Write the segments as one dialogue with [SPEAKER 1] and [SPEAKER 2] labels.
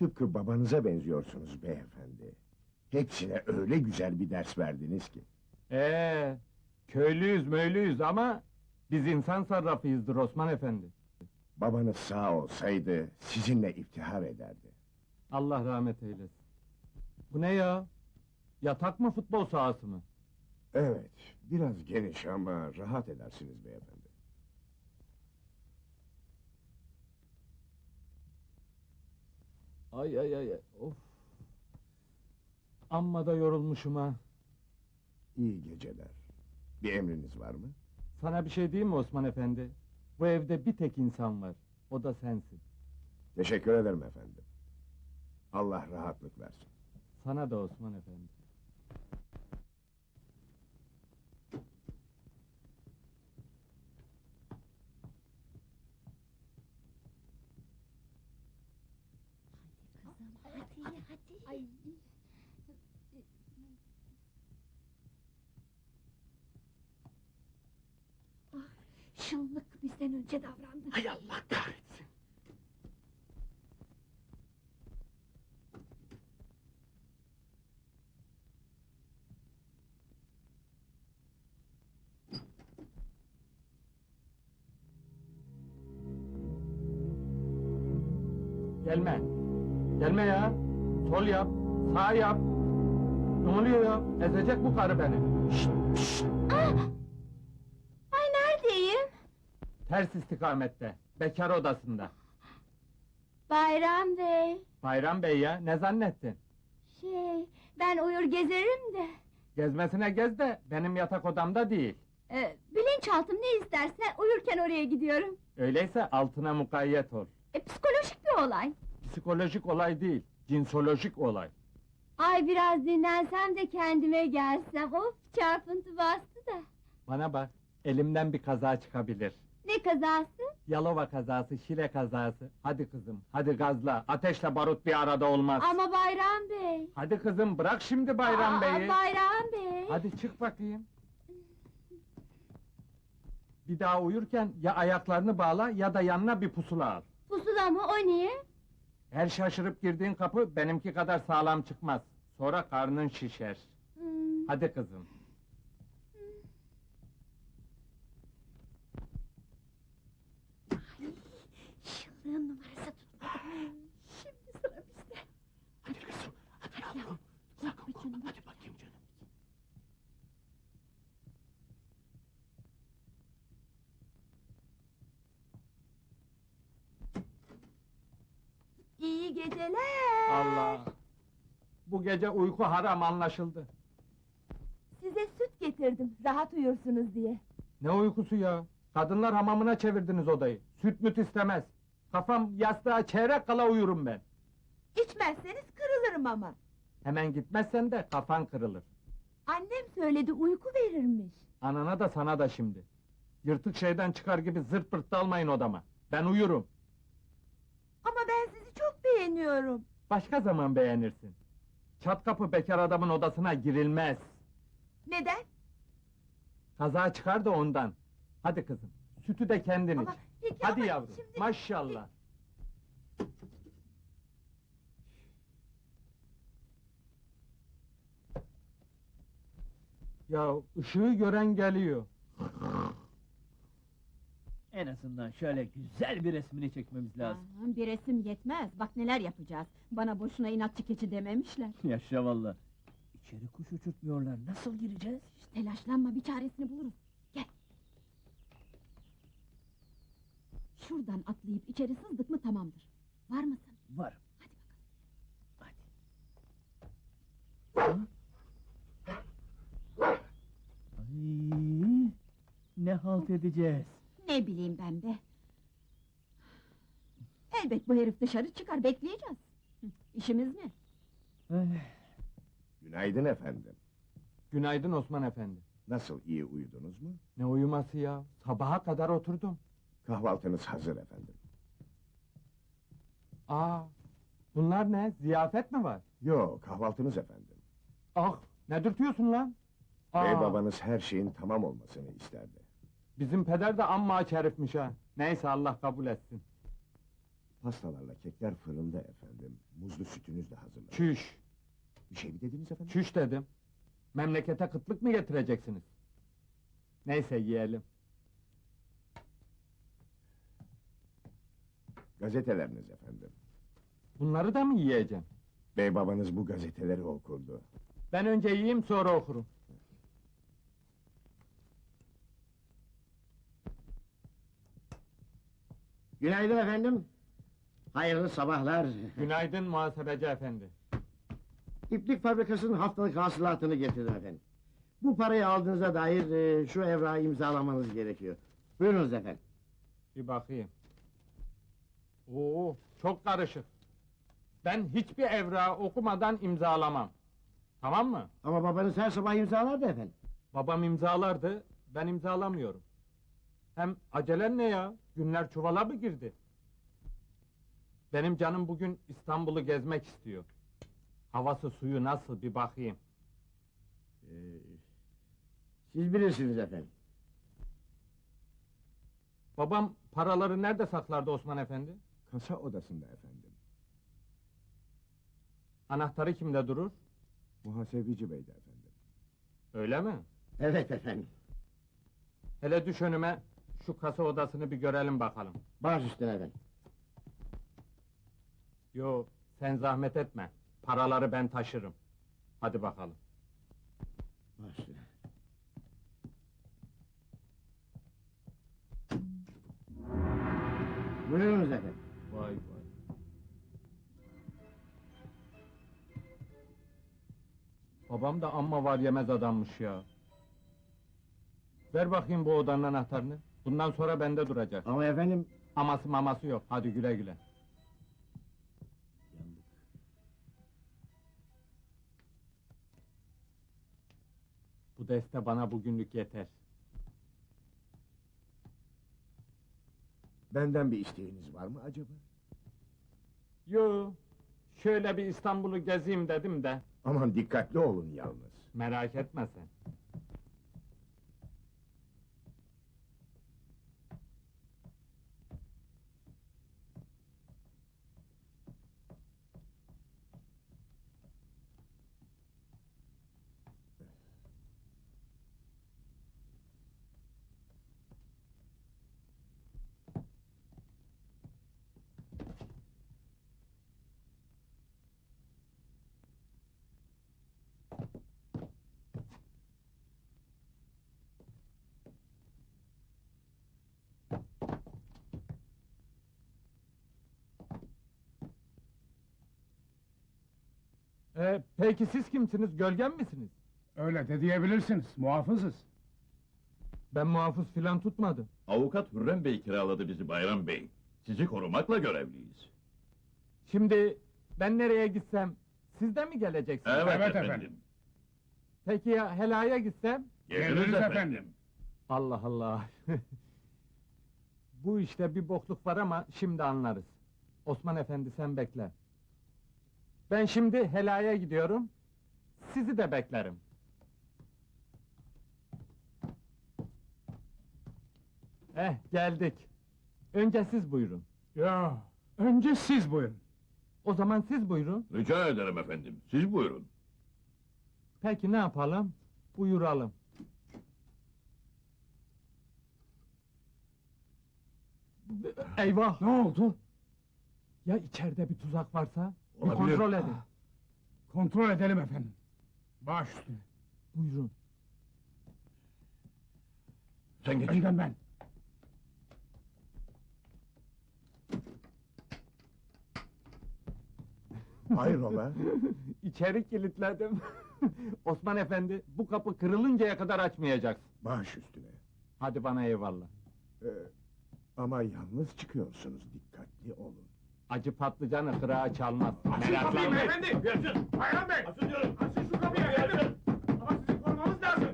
[SPEAKER 1] Tıpkı babanıza benziyorsunuz beyefendi. Hepsine öyle güzel bir ders verdiniz ki.
[SPEAKER 2] Köylüyüz möylüyüz ama biz insan sarrafıyızdır Osman Efendi.
[SPEAKER 1] Babanız sağ olsaydı sizinle iftihar ederdi.
[SPEAKER 2] Allah rahmet eylesin. Bu ne ya? Yatak mı futbol sahası mı?
[SPEAKER 1] Evet, biraz geniş ama rahat edersiniz beyefendi.
[SPEAKER 2] Ay ay ay, of! Amma da yorulmuşum ha!
[SPEAKER 1] İyi geceler. Bir emriniz var mı?
[SPEAKER 2] Sana bir şey diyeyim mi Osman Efendi? Bu evde bir tek insan var, o da sensin.
[SPEAKER 1] Teşekkür ederim efendim. Allah rahatlık versin.
[SPEAKER 2] Sana da Osman Efendi.
[SPEAKER 3] Hadi. Ay. Ah, şıllık bizden önce davrandı.
[SPEAKER 1] Hay Allah kahretsin!
[SPEAKER 2] Gelme! Gelme ya! Sol yap, sağ yap! Ne oluyor ya? Ezecek bu karı beni! Şşt!
[SPEAKER 3] Ay neredeyim?
[SPEAKER 2] Ters istikamette, bekar odasında.
[SPEAKER 3] Bayram Bey.
[SPEAKER 2] Bayram Bey ya, ne zannettin?
[SPEAKER 3] Ben uyur gezerim de.
[SPEAKER 2] Gezmesine gez de, benim yatak odamda değil.
[SPEAKER 3] Bilinçaltım ne isterse uyurken oraya gidiyorum.
[SPEAKER 2] Öyleyse altına mukayyet ol.
[SPEAKER 3] Psikolojik bir olay.
[SPEAKER 2] Psikolojik olay değil, cinsolojik olay.
[SPEAKER 3] Ay biraz dinlensem de kendime gelsem. Of çarpıntı bastı da.
[SPEAKER 2] Bana bak, elimden bir kaza çıkabilir.
[SPEAKER 3] Ne kazası?
[SPEAKER 2] Yalova kazası, Şile kazası. Hadi kızım, hadi gazla, ateşle barut bir arada olmaz.
[SPEAKER 3] Ama Bayram Bey.
[SPEAKER 2] Hadi kızım, bırak şimdi Bayram Bey'i.
[SPEAKER 3] Bayram Bey.
[SPEAKER 2] Hadi çık bakayım. Bir daha uyurken ya ayaklarını bağla ya da yanına bir pusula al.
[SPEAKER 3] Pusula mı o niye?
[SPEAKER 2] Her şaşırıp girdiğin kapı benimki kadar sağlam çıkmaz. Sonra karnın şişer. Hadi kızım.
[SPEAKER 3] Şıllığın numarası tutmadı. Şimdi sıra bizde.
[SPEAKER 1] Hadi kızım, hadi yavrum. Sakın korkma, hadi bakayım canım.
[SPEAKER 3] İyi geceler.
[SPEAKER 2] Allah! Bu gece uyku haram anlaşıldı.
[SPEAKER 3] Size süt getirdim, rahat uyursunuz diye.
[SPEAKER 2] Ne uykusu ya? Kadınlar hamamına çevirdiniz odayı. Süt müt istemez. Kafam yastığa çeyrek kala uyurum ben.
[SPEAKER 3] İçmezseniz kırılırım ama.
[SPEAKER 2] Hemen gitmezsen de kafan kırılır.
[SPEAKER 3] Annem söyledi, uyku verirmiş.
[SPEAKER 2] Anana da sana da şimdi. Yırtık şeyden çıkar gibi zırt pırt dalmayın odama. Ben uyurum.
[SPEAKER 3] Ama ben sizi çok beğeniyorum.
[SPEAKER 2] Başka zaman beğenirsin. Çat kapı bekar adamın odasına girilmez.
[SPEAKER 3] Neden?
[SPEAKER 2] Kaza çıkar da ondan. Hadi kızım, sütü de kendin iç.
[SPEAKER 3] Ama peki
[SPEAKER 2] Hadi
[SPEAKER 3] ama
[SPEAKER 2] yavrum,
[SPEAKER 3] şimdi-
[SPEAKER 2] maşallah. Ya ışığı gören geliyor.
[SPEAKER 4] En azından şöyle güzel bir resmini çekmemiz lazım.
[SPEAKER 5] Bir resim yetmez, bak neler yapacağız. Bana boşuna inatçı keçi dememişler.
[SPEAKER 4] Yaşa valla. İçeri kuş uçurtmuyorlar. Nasıl gireceğiz?
[SPEAKER 5] Telaşlanma, bir çaresini buluruz. Gel. Şuradan atlayıp içeri sızdık mı tamamdır. Var mısın?
[SPEAKER 4] Varım.
[SPEAKER 5] Hadi bakalım.
[SPEAKER 4] Hadi. Ay, ne halt edeceğiz?
[SPEAKER 5] Ne bileyim ben be. Elbet bu herif dışarı çıkar, bekleyeceğiz. İşimiz ne?
[SPEAKER 4] Ay,
[SPEAKER 1] Günaydın efendim.
[SPEAKER 2] Günaydın Osman Efendi.
[SPEAKER 1] Nasıl, iyi uyudunuz mu?
[SPEAKER 2] Ne uyuması ya? Sabaha kadar oturdum.
[SPEAKER 1] Kahvaltınız hazır efendim.
[SPEAKER 2] Bunlar ne? Ziyafet mi var?
[SPEAKER 1] Yo, kahvaltınız efendim.
[SPEAKER 2] Ah, ne dürtüyorsun lan?
[SPEAKER 1] Bey babanız her şeyin tamam olmasını isterdi.
[SPEAKER 2] Bizim peder de amma aç herifmiş ha. Neyse Allah kabul etsin.
[SPEAKER 1] Pastalarla kekler fırında efendim. Muzlu sütünüz de hazırlandı.
[SPEAKER 2] Çüş,
[SPEAKER 1] Bir şey mi dediniz efendim?
[SPEAKER 2] çüş dedim. Memlekete kıtlık mı getireceksiniz? Neyse yiyelim.
[SPEAKER 1] Gazeteleriniz efendim.
[SPEAKER 2] Bunları da mı yiyeceğim?
[SPEAKER 1] Bey babanız bu gazeteleri okurdu.
[SPEAKER 2] Ben önce yiyeyim sonra okurum.
[SPEAKER 6] Günaydın efendim. Hayırlı sabahlar.
[SPEAKER 2] Günaydın muhasebeci efendi.
[SPEAKER 6] İplik fabrikasının haftalık hasılatını getirdim efendim. Bu parayı aldığınıza dair şu evrağı imzalamanız gerekiyor. Buyurunuz efendim.
[SPEAKER 2] Bir bakayım. Oo, çok karışık. Ben hiçbir evrağı okumadan imzalamam. Tamam mı?
[SPEAKER 6] Ama babanız her sabah imzalardı efendim.
[SPEAKER 2] Babam imzalardı, ben imzalamıyorum. Hem acelen ne ya? Günler çuvala mı girdi? Benim canım bugün İstanbul'u gezmek istiyor. Havası suyu nasıl bir bakayım.
[SPEAKER 6] Siz bilirsiniz efendim.
[SPEAKER 2] Babam paraları nerede saklardı Osman Efendi?
[SPEAKER 1] Kasa odasında efendim.
[SPEAKER 2] Anahtarı kimde durur?
[SPEAKER 1] Muhasebeci beydi efendim.
[SPEAKER 2] Öyle mi?
[SPEAKER 6] Evet efendim.
[SPEAKER 2] Hele düş önüme, şu kasa odasını bir görelim bakalım.
[SPEAKER 6] Baş üstüne efendim.
[SPEAKER 2] Yo, sen zahmet etme. Paraları ben taşırım. Hadi bakalım.
[SPEAKER 6] Baş üstüne. Buyurunuz efendim.
[SPEAKER 2] Vay vay. Babam da amma var yemez adammış ya. Ver bakayım bu odanın anahtarını. Bundan sonra bende duracak.
[SPEAKER 6] Ama efendim...
[SPEAKER 2] Aması maması yok. Hadi güle güle. Bu deste bana bugünlük yeter.
[SPEAKER 1] Benden bir isteğiniz var mı acaba?
[SPEAKER 2] Yo, şöyle bir İstanbul'u gezeyim dedim de.
[SPEAKER 1] Aman dikkatli olun yalnız.
[SPEAKER 2] Merak etme sen. Peki siz kimsiniz? Gölgen misiniz?
[SPEAKER 7] Öyle de diyebilirsiniz, muhafızız.
[SPEAKER 2] Ben muhafız filan tutmadım.
[SPEAKER 8] Avukat Hürrem Bey kiraladı bizi Bayram Bey. Sizi korumakla görevliyiz.
[SPEAKER 2] Şimdi ben nereye gitsem siz de mi geleceksiniz?
[SPEAKER 8] Evet,
[SPEAKER 7] Evet
[SPEAKER 8] efendim.
[SPEAKER 7] efendim.
[SPEAKER 2] Peki ya helaya gitsem?
[SPEAKER 8] Geliriz
[SPEAKER 7] Geliriz
[SPEAKER 8] efendim.
[SPEAKER 7] efendim.
[SPEAKER 2] Allah Allah! Bu işte bir bokluk var ama şimdi anlarız. Osman Efendi sen bekle. Ben şimdi helaya gidiyorum. Sizi de beklerim. Geldik. Önce siz buyurun.
[SPEAKER 7] Ya, önce siz buyurun.
[SPEAKER 2] O zaman siz buyurun.
[SPEAKER 8] Rica ederim efendim. Siz buyurun.
[SPEAKER 2] Peki ne yapalım? Buyuralım. Eyvah!
[SPEAKER 7] Ne oldu?
[SPEAKER 2] Ya içeride bir tuzak varsa? Bir
[SPEAKER 8] Olabilir.
[SPEAKER 2] kontrol edin.
[SPEAKER 7] Kontrol edelim efendim. Baş üstüne.
[SPEAKER 2] Buyurun.
[SPEAKER 8] Sen geç.
[SPEAKER 7] Önden ben.
[SPEAKER 1] Hayrola?
[SPEAKER 2] İçeri kilitledim. Osman Efendi, bu kapı kırılıncaya kadar açmayacaksın.
[SPEAKER 1] Baş üstüne.
[SPEAKER 2] Hadi bana eyvallah.
[SPEAKER 1] Ee, ama yalnız çıkıyorsunuz, dikkatli olun.
[SPEAKER 2] Acı patlıcanı kırağa çalmaz. Meraklanma.
[SPEAKER 7] Bayram Bey!
[SPEAKER 8] Açın diyorum.
[SPEAKER 7] Açın şu kapıyı efendim! Ama sizi korumamız lazım!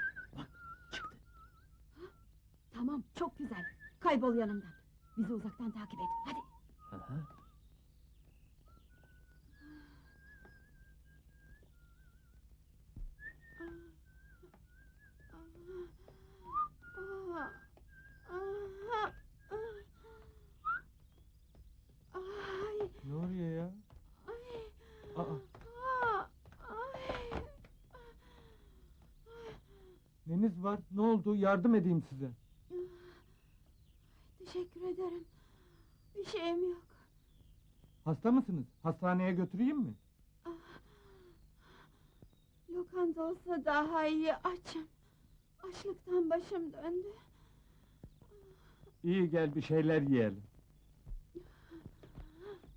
[SPEAKER 5] Tamam, çok güzel. Kaybol yanımdan. Bizi uzaktan takip et, hadi.
[SPEAKER 2] Neyiniz var? Ne oldu? Yardım edeyim size.
[SPEAKER 3] Teşekkür ederim. Bir şeyim yok.
[SPEAKER 2] Hasta mısınız? Hastaneye götüreyim mi?
[SPEAKER 3] Lokanta olsa daha iyi, açım. Açlıktan başım döndü.
[SPEAKER 2] İyi gel bir şeyler yiyelim.